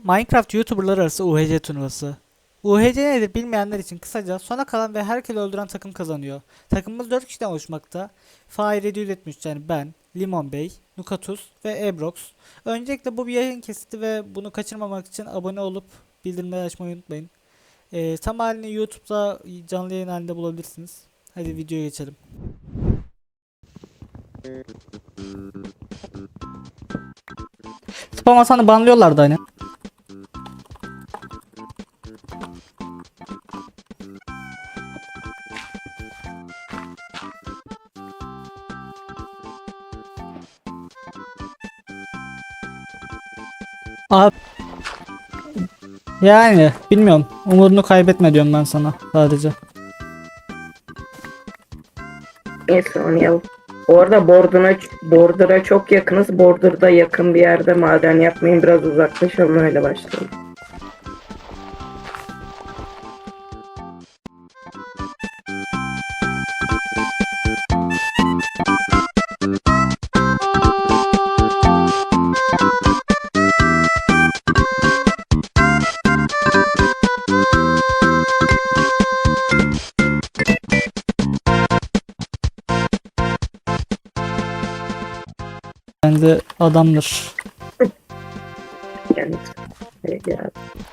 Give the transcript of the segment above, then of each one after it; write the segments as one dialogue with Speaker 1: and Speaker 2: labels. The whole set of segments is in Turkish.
Speaker 1: Bu Minecraft YouTuber'lar arası UHC turnuvası. UHC nedir bilmeyenler için kısaca sona kalan ve herkesi öldüren takım kazanıyor. Takımımız 4 kişiden oluşmakta. Fahir 773 yani ben, Limon Bey, Nukatus ve Ebrox. Öncelikle bu bir yayın kesiti ve bunu kaçırmamak için abone olup bildirimleri açmayı unutmayın. Tam halini YouTube'da canlı yayın halinde bulabilirsiniz. Hadi videoya geçelim. Spam Hasan'ı banlıyorlardı hani. Abi, yani bilmiyorum. Umudunu kaybetme diyorum ben sana sadece.
Speaker 2: Neyse oynayalım. Bu arada Border'a çok yakınız. Border'da yakın bir yerde maden yapmayın. Biraz uzaklaşalım öyle başlayalım.
Speaker 1: Bence adamdır.
Speaker 2: Yani ya.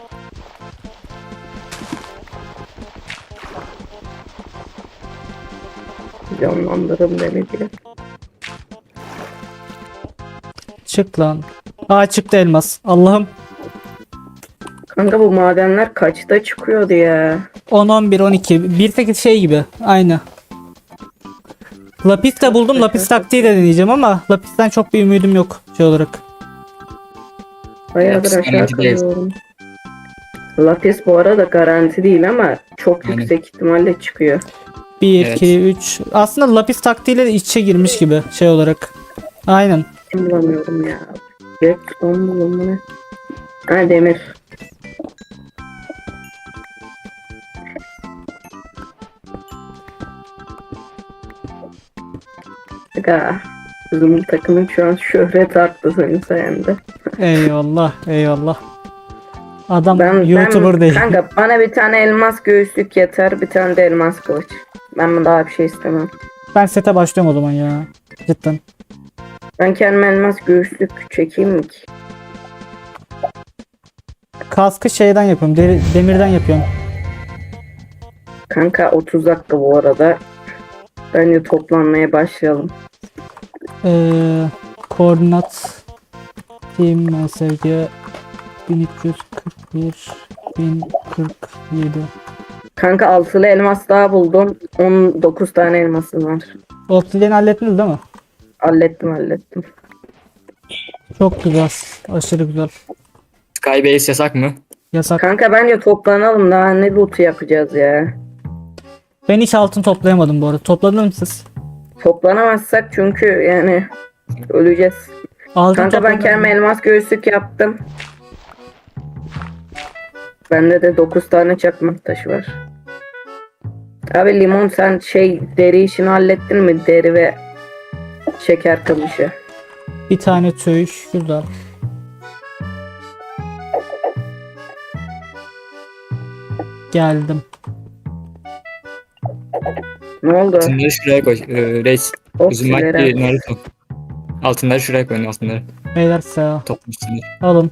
Speaker 2: Canlandırım demedi.
Speaker 1: Çık lan. Aa çıktı elmas. Allah'ım.
Speaker 2: Kanka bu madenler kaçta çıkıyordu ya?
Speaker 1: 10, 11, 12. Bir tek şey gibi. Aynı. Lapis de buldum. Lapis taktiği de deneyeceğim ama Lapis'ten çok bir ümidim yok şey olarak.
Speaker 2: Bayağıdır
Speaker 3: Lapis
Speaker 2: aşağı
Speaker 3: garanti değil.
Speaker 2: kalıyorum. Lapis bu arada garanti değil ama çok
Speaker 3: Aynen.
Speaker 2: yüksek ihtimalle çıkıyor.
Speaker 1: 1,
Speaker 3: Evet.
Speaker 1: 2, 3. Aslında Lapis taktiğiyle de iç içe girmiş gibi şey olarak. Aynen.
Speaker 2: Bulamıyorum ya. Redstone bulalım ne? Ha demir. Aga. Bizim takımın şu an şöhret arttı senin sayende.
Speaker 1: Eyvallah. Eyvallah. Adam YouTuber değil.
Speaker 2: Kanka bana bir tane elmas göğüslük yeter. Bir tane de elmas kılıç. Ben daha bir şey istemem.
Speaker 1: Ben sete başlıyorum o zaman ya. Cidden.
Speaker 2: Ben kendime elmas göğüslük çekeyim mi ki?
Speaker 1: Kaskı şeyden yapıyorum. Demirden yapıyorum.
Speaker 2: Kanka 30 dakika bu arada. Bence toplanmaya başlayalım.
Speaker 1: Koordinat team MSG 1341 1047.
Speaker 2: Kanka altılı elmas daha buldum. 19 tane elmasım var.
Speaker 1: Obsidian hallettiniz değil mi?
Speaker 2: Hallettim.
Speaker 1: Çok güzel. Aşırı güzel.
Speaker 3: Skybase yasak mı?
Speaker 1: Yasak.
Speaker 2: Kanka bence toplanalım, daha ne loot yapacağız ya.
Speaker 1: Ben hiç altın toplayamadım bu arada. Topladınız mı siz?
Speaker 2: Toplanamazsak çünkü yani öleceğiz.
Speaker 1: Altın
Speaker 2: Kanka ben
Speaker 1: topladınız
Speaker 2: kendime
Speaker 1: mı?
Speaker 2: elmas göğüslük yaptım. Bende de 9 tane çakmak taşı var. Abi Limon sen deri işini hallettin mi? Deri ve şeker kamışı.
Speaker 1: Bir tane tüy. Güzel. Geldim.
Speaker 2: Ne oldu?
Speaker 3: Altınları şuraya koy. Reis. Bizim
Speaker 2: Oksileri
Speaker 3: Mike Naruto. Altınları şuraya koyun altınları.
Speaker 1: Beyler sağ
Speaker 3: Toplamışsınlar.
Speaker 1: alın.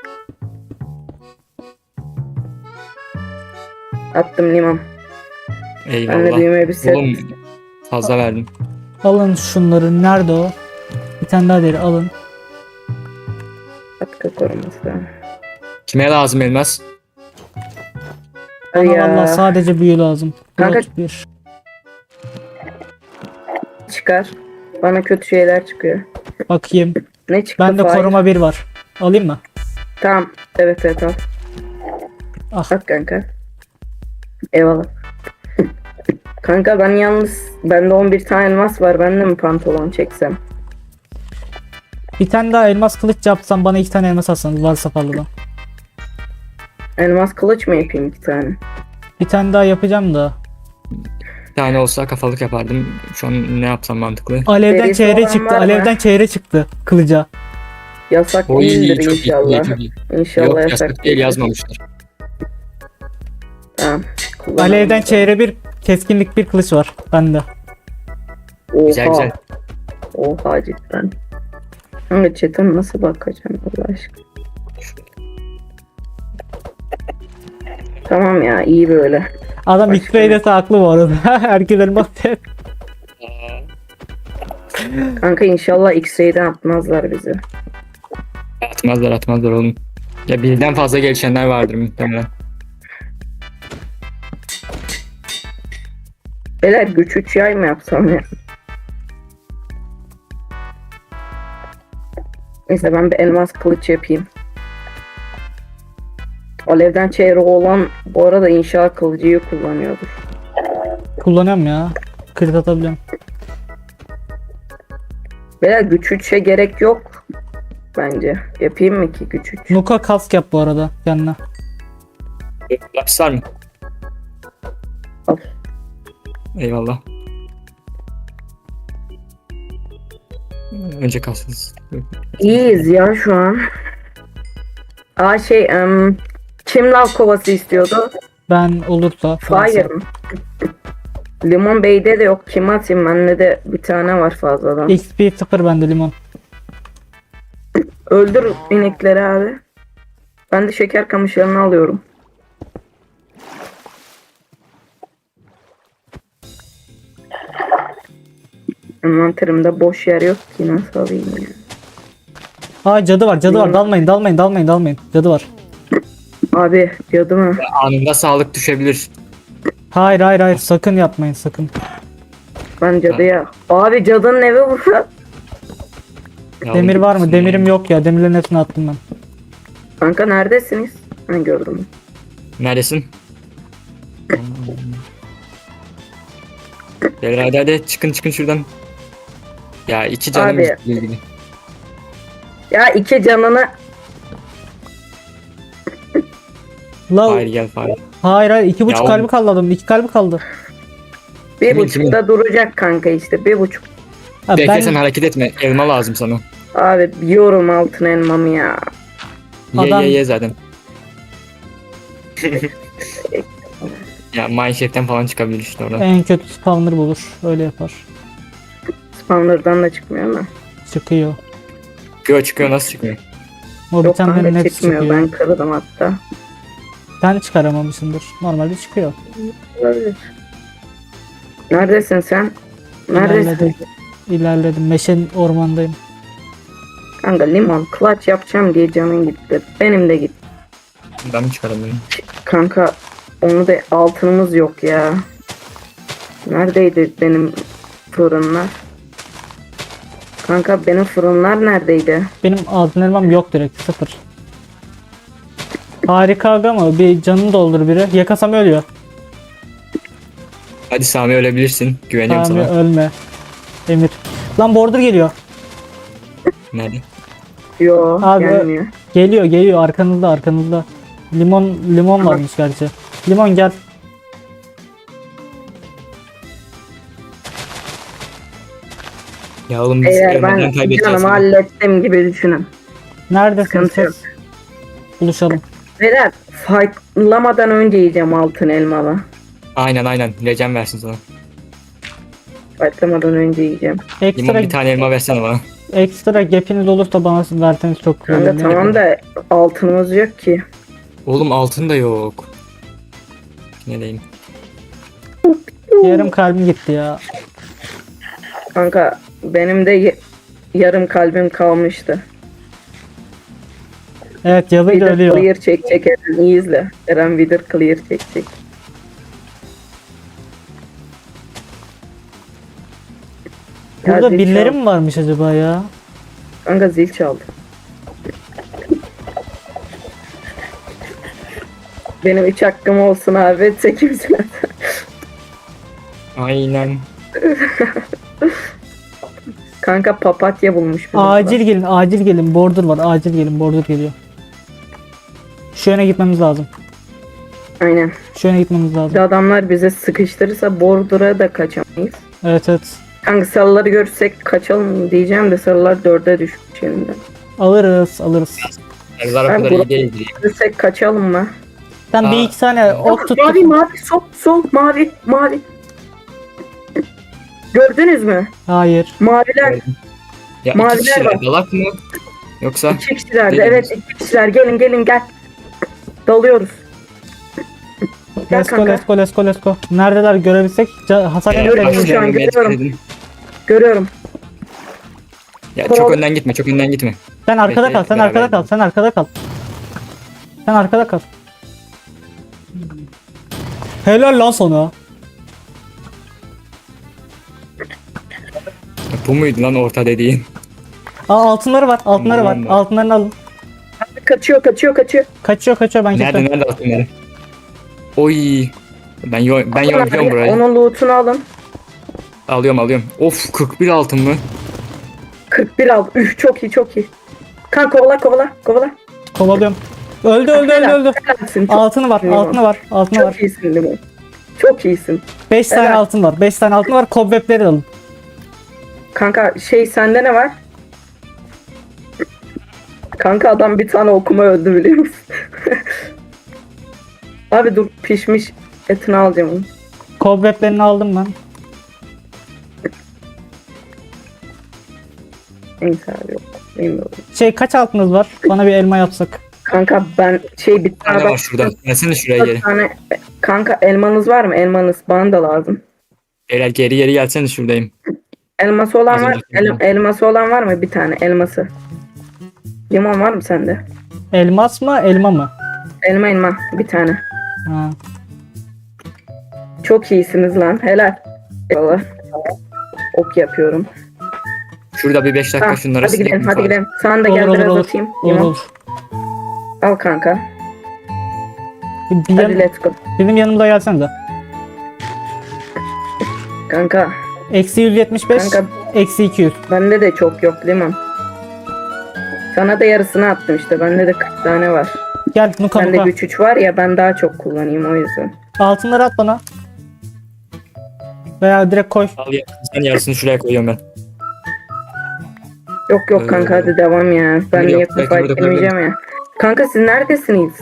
Speaker 2: attım Limon. Ben de
Speaker 3: Eyvallah.
Speaker 2: büyüme bir set.
Speaker 3: Oğlum fazla verdim.
Speaker 1: Alın şunları. Nerede o? Bir tane daha deri alın.
Speaker 2: Katkı koruması.
Speaker 3: Kime lazım elmas?
Speaker 2: Ay
Speaker 1: Bana
Speaker 2: ya.
Speaker 1: vallahi sadece büyü lazım.
Speaker 2: Kanka-
Speaker 1: Dört, bir.
Speaker 2: Çıkar. Bana kötü şeyler çıkıyor.
Speaker 1: Bakayım.
Speaker 2: Ne çıktı?
Speaker 1: Bende
Speaker 2: Fahir?
Speaker 1: koruma 1 var. Alayım mı?
Speaker 2: Tamam. Evet al.
Speaker 1: Ah.
Speaker 2: Bak kanka. Eyvallah. Kanka ben yalnız bende 11 tane elmas var. Ben de mi pantolon çeksem?
Speaker 1: Bir tane daha elmas kılıç yapsam bana 2 tane elmas atsanız varsa fazladan.
Speaker 2: Elmas kılıç mı yapayım 2 tane?
Speaker 1: Bir tane daha yapacağım da.
Speaker 3: Bir tane olsa kafalık yapardım. Şu an ne yapsam mantıklı?
Speaker 1: Alevden
Speaker 2: Derisi
Speaker 1: çeyre
Speaker 2: olan
Speaker 1: çıktı.
Speaker 2: var mı?
Speaker 1: Alevden çeyre çıktı kılıca.
Speaker 2: Yasak
Speaker 3: Oy
Speaker 2: değildir
Speaker 3: çok iyi,
Speaker 2: inşallah.
Speaker 3: çok iyi.
Speaker 2: İnşallah
Speaker 3: Yok
Speaker 2: yasak
Speaker 3: yasak değil
Speaker 2: değildir.
Speaker 3: yazmamışlar.
Speaker 2: Tamam. kullanalım.
Speaker 1: Alevden çeyre bir keskinlik bir kılıç var bende.
Speaker 2: Oha.
Speaker 3: Güzel güzel.
Speaker 2: Oha cidden. Kanka chat'e nasıl bakacağım Allah aşkına. Tamam ya iyi böyle.
Speaker 1: Adam
Speaker 2: Başka
Speaker 1: X-Ray dese haklı bu arada. Herkes elmas der.
Speaker 2: Kanka inşallah X-Ray'den atmazlar bizi.
Speaker 3: Atmazlar oğlum. Ya birden fazla gelişenler vardır muhtemelen.
Speaker 2: Beyler güç 3 yay mı yapsam ya? Neyse ben bir elmas kılıç yapayım. Alevden çeyreği olan bu arada inşaat kılıcıyı kullanıyordur.
Speaker 1: Kullanıyorum ya. Crit atabiliyorum.
Speaker 2: Beyler güç 3'e gerek yok. Bence. Yapayım mı ki güç 3?
Speaker 1: Nuka kask yap bu arada yanına.
Speaker 3: Lapis var mı?
Speaker 2: Al.
Speaker 3: Eyvallah. Önce kalsınız.
Speaker 2: İyiyiz ya şu an. Aa kim lav kovası istiyordu?
Speaker 1: Ben olursa.
Speaker 2: Fire mı? Limon Bey'de de yok. Kim atayım? Bende de bir tane var fazladan.
Speaker 1: XP 0 bende limon.
Speaker 2: Öldür inekleri abi. Ben de şeker kamışlarını alıyorum. Envanterimde boş yer yok ki nasıl alayım ya.
Speaker 1: Aa cadı var dalmayın. Cadı var.
Speaker 2: Abi cadı mı?
Speaker 3: Anında sağlık düşebilir.
Speaker 1: Hayır sakın yapmayın sakın.
Speaker 2: Ben cadıya. Abi cadının evi burada.
Speaker 3: Ya
Speaker 1: Demir
Speaker 3: oğlum,
Speaker 1: var mı? Demirim yok ya. Demirlerin hepsini attım ben.
Speaker 2: Kanka neredesiniz? Ben gördüm.
Speaker 3: Neredesin? Beyler hadi çıkın şuradan. Ya iki canım
Speaker 2: Abi.
Speaker 3: ilgili.
Speaker 2: Ya iki canını
Speaker 1: La
Speaker 3: Hayır gel Fahir.
Speaker 1: hayır 2,5
Speaker 3: Ya
Speaker 1: kalbi
Speaker 3: oğlum.
Speaker 1: kaldı adamın. 2 kalbi kaldı.
Speaker 2: bir
Speaker 3: Kimin,
Speaker 2: buçukta duracak kanka işte 1,5.
Speaker 1: Ha,
Speaker 3: Bekle sen
Speaker 1: ben
Speaker 3: hareket etme. Elma lazım sana.
Speaker 2: Abi yiyorum altın elmamı ya.
Speaker 1: Adam-
Speaker 3: Ye zaten. Ya Mineshaft'ten falan çıkabilir işte oradan.
Speaker 1: en kötü spawner bulur. Öyle yapar.
Speaker 2: Spawner'dan da çıkmıyor ama.
Speaker 1: Çıkıyor.
Speaker 3: Çıkıyor nasıl çıkıyor?
Speaker 1: O
Speaker 2: Yok
Speaker 1: bitenlerin
Speaker 2: kanka
Speaker 1: hepsi
Speaker 2: çıkmıyor.
Speaker 1: çıkıyor.
Speaker 2: Ben kırdım hatta.
Speaker 1: Sen de çıkaramamışsındır. Normalde çıkıyor.
Speaker 2: Olabilir. Neredesin sen? Neredesin?
Speaker 1: İlerledim. Meşen ormandayım.
Speaker 2: Kanka limon clutch yapacağım diye canın gitti. Benim de gitti.
Speaker 3: Ben mi çıkaramıyorum?
Speaker 2: Kanka onu da altınımız yok ya. Neredeydi benim fırınlar? Kanka benim fırınlar neredeydi?
Speaker 1: Benim altın elmam yok direkt. 0. Harika aga mı? Bir canını doldur biri. Yakasam ölüyor.
Speaker 3: Hadi Sami ölebilirsin. Güveniyorum
Speaker 1: Tamam
Speaker 3: sana.
Speaker 1: ölme. Emir. Lan border geliyor.
Speaker 3: Nerede?
Speaker 2: Yo
Speaker 1: Abi,
Speaker 2: gelmiyor.
Speaker 1: Geliyor arkanızda. Limon varmış gerçi. Limon gel.
Speaker 3: Ya oğlum biz
Speaker 2: Eğer ben
Speaker 3: elmadan kaybedeceğiz.
Speaker 2: canımı
Speaker 3: şimdi.
Speaker 2: hallettim gibi düşünün.
Speaker 1: Neredesin
Speaker 2: Sıkıntı yok.
Speaker 1: siz? Buluşalım.
Speaker 2: Beyler fightlamadan önce yiyeceğim altın elmalı.
Speaker 3: Aynen. Recem versin sana.
Speaker 2: Fightlamadan önce yiyeceğim.
Speaker 3: Limon
Speaker 1: Ekstra
Speaker 3: bir tane elma versene bana.
Speaker 1: ekstra gap'iniz olursa bana verseniz çok güzel
Speaker 2: Kanka
Speaker 1: olur.
Speaker 2: tamam da altınımız yok ki.
Speaker 3: Oğlum altın da yok. Ne diyeyim?
Speaker 1: Yarım kalbim gitti ya.
Speaker 2: Kanka benim de yarım kalbim kalmıştı.
Speaker 1: Evet yazıyla
Speaker 2: Wither
Speaker 1: ölüyor.
Speaker 2: clear çekecek Eren iyi izle. Eren Wither clear çekecek. Ya
Speaker 1: Burada
Speaker 2: zil
Speaker 1: birileri
Speaker 2: çal.
Speaker 1: mi varmış acaba ya?
Speaker 2: Kanka zil çaldı. Benim 3 hakkım olsun abi. 8
Speaker 3: Aynen.
Speaker 2: Kanka papatya bulmuş. bizim
Speaker 1: Acil gelin. Border var. Acil gelin. Border geliyor. Şu yöne gitmemiz lazım.
Speaker 2: Aynen.
Speaker 1: Şu yöne gitmemiz
Speaker 2: Bir de
Speaker 1: lazım.
Speaker 2: adamlar bize sıkıştırırsa Bordur'a da kaçamayız.
Speaker 1: Evet.
Speaker 2: Kanka sarıları görürsek kaçalım diyeceğim de sarılar 4'e düşmüş yeniden.
Speaker 1: Alırız alırız.
Speaker 3: Sarılar o
Speaker 2: Ben
Speaker 3: kadar
Speaker 2: bu-
Speaker 3: iyi değil.
Speaker 2: Ölürsek kaçalım mı?
Speaker 1: Sen bir
Speaker 3: Aa.
Speaker 1: iki tane ok tut.
Speaker 2: Mavi mavi sol mavi mavi. Gördünüz mü?
Speaker 1: Hayır.
Speaker 2: Maviler
Speaker 3: Ya
Speaker 2: Maviler
Speaker 3: iki kişiler
Speaker 2: var.
Speaker 3: dalak mı? Yoksa
Speaker 2: iki kişilerdi.
Speaker 3: Değil mi?
Speaker 2: Evet iki kişiler. Gelin gel. Dalıyoruz. Gel
Speaker 1: Let's go
Speaker 2: kanka.
Speaker 1: let's go let's go let's go. Neredeler görebilsek hasar
Speaker 2: Görüyorum
Speaker 1: yemeseydiniz.
Speaker 2: şu an,
Speaker 3: Başlarına
Speaker 2: görüyorum.
Speaker 3: medkit edin.
Speaker 2: Görüyorum.
Speaker 3: Ya
Speaker 2: Tamam.
Speaker 3: çok önden gitme, çok önden gitme.
Speaker 1: Sen arkada
Speaker 3: Bekle,
Speaker 1: kal, sen
Speaker 3: beraber
Speaker 1: arkada kal,
Speaker 3: gidelim.
Speaker 1: sen arkada kal. Sen arkada kal. Helal lan sana.
Speaker 3: Bu muydu lan orta dediğin?
Speaker 1: Aa altınları var, altınları var.
Speaker 3: Aman be.
Speaker 1: Altınlarını alın.
Speaker 2: Kaçıyor.
Speaker 1: Kaçıyor ben
Speaker 3: Nerede
Speaker 1: kestim.
Speaker 3: nerede altınları? Oy. Ben yoruluyorum burayı.
Speaker 2: Onun loot'unu alın.
Speaker 3: Alıyorum. Of 41 altın mı?
Speaker 2: 41 al. Üf çok iyi. Kan kovala.
Speaker 1: Kovalıyorum. Öldü.
Speaker 2: Helalsin.
Speaker 1: Altını var, altını var.
Speaker 2: Çok iyisin Limon. Çok iyisin.
Speaker 1: 5 tane
Speaker 2: Helal.
Speaker 1: altın var. 5 tane altın var. Cobweb'leri alın.
Speaker 2: Kanka sende ne var? Kanka adam bir tane okuma öldü biliyor musun? Abi dur pişmiş etini alacağım onu.
Speaker 1: Cobweb'lerini aldım ben.
Speaker 2: Neyse abi yok. Bilmiyorum.
Speaker 1: Kaç altınız var? Bana bir elma yapsak.
Speaker 2: Kanka ben bir
Speaker 3: Bir tane var şurada. Gelsene şuraya geri.
Speaker 2: Bir tane kanka elmanız var mı? Elmanız bana da lazım.
Speaker 3: Beyler geri gelsene şuradayım.
Speaker 2: Elması olan
Speaker 3: Az
Speaker 2: var.
Speaker 3: önce söyledim.
Speaker 2: Elması olan var mı? Bir tane elması. Limon var mı sende?
Speaker 1: Elmas mı, elma mı?
Speaker 2: Elma bir tane.
Speaker 1: Ha.
Speaker 2: Çok iyisiniz lan. Helal. Eyvallah. Ok yapıyorum.
Speaker 3: Şurada bir 5 dakika
Speaker 2: Ha,
Speaker 3: şunlara
Speaker 2: hadi gidelim.
Speaker 3: sileyim falan.
Speaker 2: Sana da
Speaker 1: Olur
Speaker 2: gel
Speaker 1: olur
Speaker 2: biraz
Speaker 1: olur.
Speaker 2: atayım.
Speaker 1: Olur
Speaker 2: Limon.
Speaker 1: olur.
Speaker 2: Al kanka.
Speaker 1: Bir
Speaker 2: Hadi let's go.
Speaker 1: benim yanımda gelsenize.
Speaker 2: Kanka.
Speaker 1: Eksi 175,
Speaker 2: Kanka
Speaker 1: eksi 200.
Speaker 2: bende de çok yok limon. Sana da yarısını attım işte. Bende de 40 tane var.
Speaker 1: Gel Nuka
Speaker 2: Bende
Speaker 1: Nuka.
Speaker 2: güç 3 var ya ben daha çok kullanayım o yüzden.
Speaker 1: Altınları at bana. Veya direkt koy.
Speaker 3: Al ya. Sen yarısını şuraya koyuyorum ben.
Speaker 2: Yok kanka hadi devam ya. Ben
Speaker 3: Yok,
Speaker 2: niye
Speaker 3: belki burada
Speaker 2: fight demeyeceğim ya. Kanka siz neredesiniz?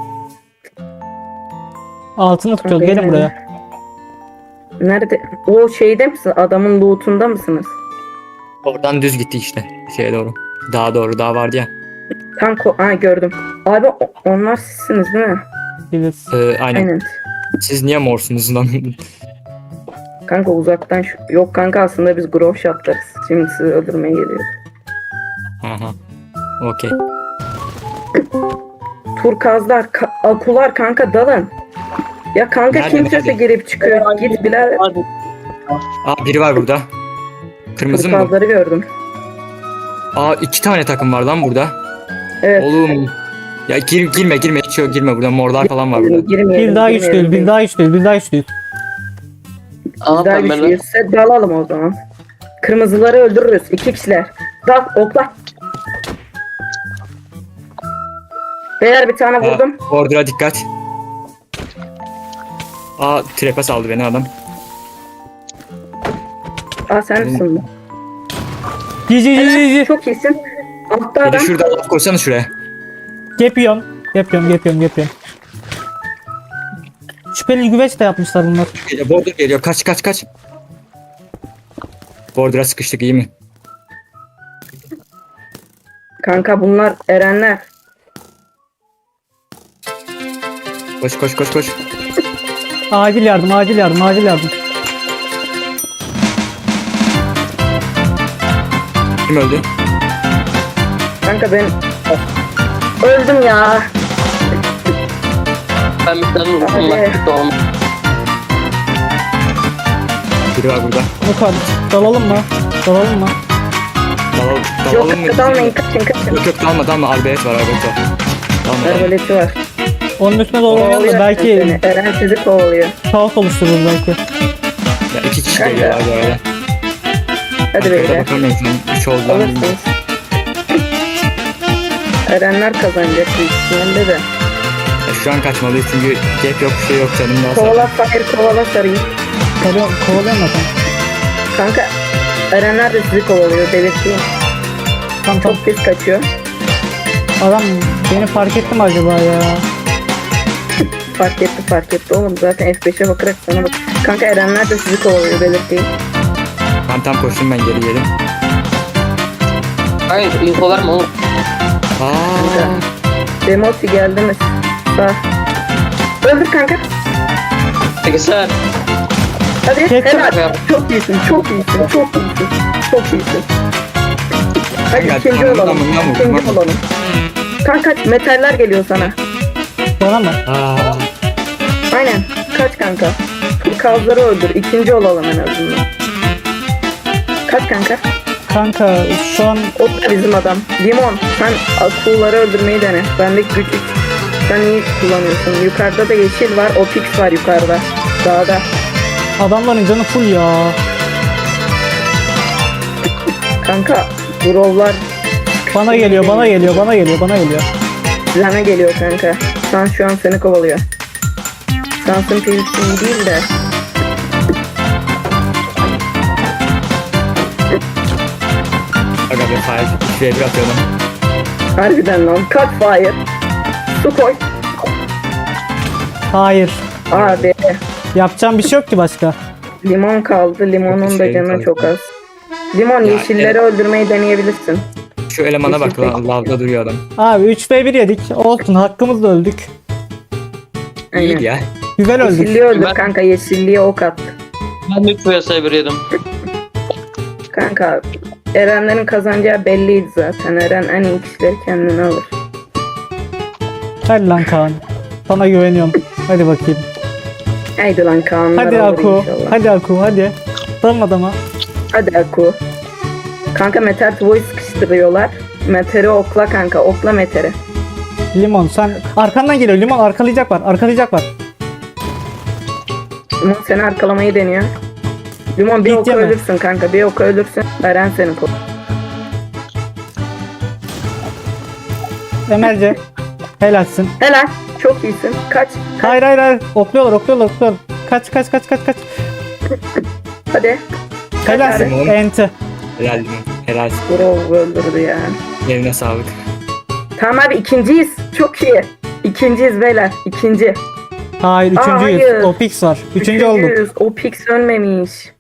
Speaker 1: Altını tutuyoruz.
Speaker 2: Kanka,
Speaker 1: Gelin
Speaker 2: yani.
Speaker 1: buraya.
Speaker 2: Nerede? O şeyde misin? Adamın loot'unda mısınız?
Speaker 3: Oradan düz gitti işte. Şeye doğru. Daha doğru. Daha vardı ya.
Speaker 2: Gördüm. Abi onlar sizsiniz değil mi?
Speaker 1: Biliriz.
Speaker 3: Aynen.
Speaker 2: Aynen.
Speaker 3: Siz niye morsunuz lan?
Speaker 2: Kanka uzaktan yok kanka aslında biz grove shotlarız. Şimdi sizi öldürmeye geliyoruz.
Speaker 3: Aha. Okey.
Speaker 2: Turkazlar, akular kanka dalın. Ya kanka
Speaker 3: Nerede,
Speaker 2: kimse
Speaker 3: nerede?
Speaker 2: girip çıkıyor. Git birader.
Speaker 3: Aa biri var burada. Kırmızı mı? bu?
Speaker 2: Turkazları gördüm.
Speaker 3: Aa 2 tane takım var lan burada.
Speaker 2: Evet.
Speaker 3: Oğlum. Ya girme hiç yok girme burada morlar falan var burada.
Speaker 2: Girmeyelim.
Speaker 1: Bir daha güçlüyüz. Bir daha güçlüyüz. Bir daha güçlüyüz.
Speaker 2: Biz daha güçlüyüzse dalalım o zaman. Kırmızıları öldürürüz. 2 kişiler. Dal okla. Beyler bir tane vurdum.
Speaker 3: Order'a dikkat. Aa trepe saldı beni adam.
Speaker 2: Sen misin bu?
Speaker 1: Cici.
Speaker 2: Çok iyisin. Altta
Speaker 3: Bir de
Speaker 2: adam.
Speaker 3: şurada laf koysana şuraya.
Speaker 1: Yapıyorum. Şüpheli güveç de yapmışlar bunlar.
Speaker 3: Border geliyor kaç. Border'a sıkıştık iyi mi?
Speaker 2: Kanka bunlar erenler.
Speaker 3: Koş.
Speaker 1: Acil yardım.
Speaker 3: Kim öldü?
Speaker 2: Kanka ben öldüm ya.
Speaker 4: Ben bir tane vurdum
Speaker 2: Hadi.
Speaker 4: lastik olmuş.
Speaker 3: Biri var burada.
Speaker 1: Nuka dalalım mı?
Speaker 3: Dalalım mı?
Speaker 2: Yok dalmayın kaçın.
Speaker 3: Yok dalma. Arbelet var. Dalma.
Speaker 2: Arbaleti var.
Speaker 1: Onun üstüne doğru oynayalım da
Speaker 2: Kovalıyor
Speaker 1: belki
Speaker 2: seni. Eren sizi kovalıyor.
Speaker 1: kaos oluşturur belki.
Speaker 3: Ya 2 kişi geliyorlar bu arada.
Speaker 2: Hadi
Speaker 3: Arkada
Speaker 2: beyler.
Speaker 3: bakamıyorum şu an. 3 oldu lan.
Speaker 2: Alırsınız. Erenler kazanacak büyük ihtimalle de.
Speaker 3: Ya şu an kaçmalıyız çünkü gap yok bir şey yok canım daha
Speaker 2: Kovala
Speaker 3: sağ.
Speaker 2: fakir kovala sarıyı.
Speaker 1: Kovalıyorum zaten.
Speaker 2: Kanka Erenler de sizi kovalıyor belirteyim.
Speaker 1: Tamam.
Speaker 2: Çok pis kaçıyor.
Speaker 1: Adam beni fark etti mi acaba ya?
Speaker 2: Fark etti oğlum. Zaten F5'e bakarak sana bak. Kanka Erenler de sizi kovalıyor belirteyim.
Speaker 3: Ben tam koştum, ben geri yedim.
Speaker 4: Hayır info verme oğlum.
Speaker 3: Aa,
Speaker 2: Demoti geldi mi? Sağ. Öldür kanka.
Speaker 4: Peki sen.
Speaker 2: Hadi
Speaker 1: Geçtim.
Speaker 2: helal. Çok iyisin. Çok iyisin. Hadi
Speaker 3: Gel,
Speaker 2: ikinci
Speaker 3: tamam,
Speaker 2: olalım.
Speaker 3: tamam,
Speaker 2: İkinci
Speaker 3: tamam.
Speaker 2: olalım. Kanka metaller geliyor sana.
Speaker 1: Bana mı?
Speaker 2: Aynen. Kaç kanka. Kazları öldür. İkinci olalım en azından. Kaç kanka.
Speaker 1: Kanka şu an
Speaker 2: O da bizim adam. Limon sen kulları öldürmeyi dene. Bendeki güç 3. Sen iyi kullanıyorsun. Yukarıda da yeşil var. O pix var yukarıda. Dağda.
Speaker 1: adamların canı full ya.
Speaker 2: Kanka brovlar
Speaker 1: Bana geliyor.
Speaker 2: sana geliyor kanka. Sen şu an seni kovalıyor. Sansın PvP değil de.
Speaker 3: aga be fire. 3v1 atıyordum.
Speaker 2: Harbiden lan. Cut fire. Su koy.
Speaker 1: Hayır.
Speaker 2: Abi.
Speaker 1: Yapacağım bir şey yok ki başka.
Speaker 2: Limon kaldı. Limonun da
Speaker 3: Şey
Speaker 2: canı
Speaker 3: kaldı.
Speaker 2: çok az. Limon
Speaker 3: Ya,
Speaker 2: yeşilleri öldürmeyi deneyebilirsin.
Speaker 3: Şu elemana bak
Speaker 2: Yeşil
Speaker 3: lan, lavda duruyor adam.
Speaker 1: Abi 3v1 yedik. Olsun, hakkımızla öldük.
Speaker 2: Aynen.
Speaker 3: İyi ya.
Speaker 1: Güzel öldük.
Speaker 2: Yeşilliği öldür
Speaker 4: Ben-
Speaker 2: kanka. Yeşilliğe ok at.
Speaker 4: Ben de 3 vs 1 yedim.
Speaker 2: Kanka Erenlerin kazanacağı belliydi zaten. Eren en iyi kişileri kendine alır.
Speaker 1: Hadi lan Kaan. Sana güveniyorum. Hadi bakayım.
Speaker 2: Haydi lan Kaanlar
Speaker 1: Hadi
Speaker 2: alır
Speaker 1: Aku.
Speaker 2: inşallah.
Speaker 1: Hadi Aku hadi. Dalın adama.
Speaker 2: Hadi Aku. Kanka Meter Tvo'yu sıkıştırıyorlar. Meter'i okla kanka. Okla Meter'i.
Speaker 1: Limon sen arkandan geliyor. Limon arkalayacak var.
Speaker 2: Limon seni arkalamayı deniyor. Limon bir
Speaker 1: Git
Speaker 2: oku
Speaker 1: yeme.
Speaker 2: ölürsün kanka. Bir oku ölürsün. Eren seni koy.
Speaker 1: Emelce. Helalsin.
Speaker 2: Helal. Çok iyisin. Kaç.
Speaker 1: Hayır. Okluyorlar. Kaç.
Speaker 2: Hadi.
Speaker 1: Helalsin.
Speaker 3: Limon.
Speaker 1: Enti.
Speaker 3: Helal limon. Helal.
Speaker 2: Bro öldürdü ya.
Speaker 3: Eline sağlık.
Speaker 2: Tamam abi ikinciyiz. Çok iyi. İkinciyiz beyler. İkinci.
Speaker 1: Hayır, üçüncüyüz.
Speaker 2: hayır.
Speaker 1: O pix var. Üçüncü olduk.
Speaker 2: Üçüncüyüz. O Pix ölmemiş.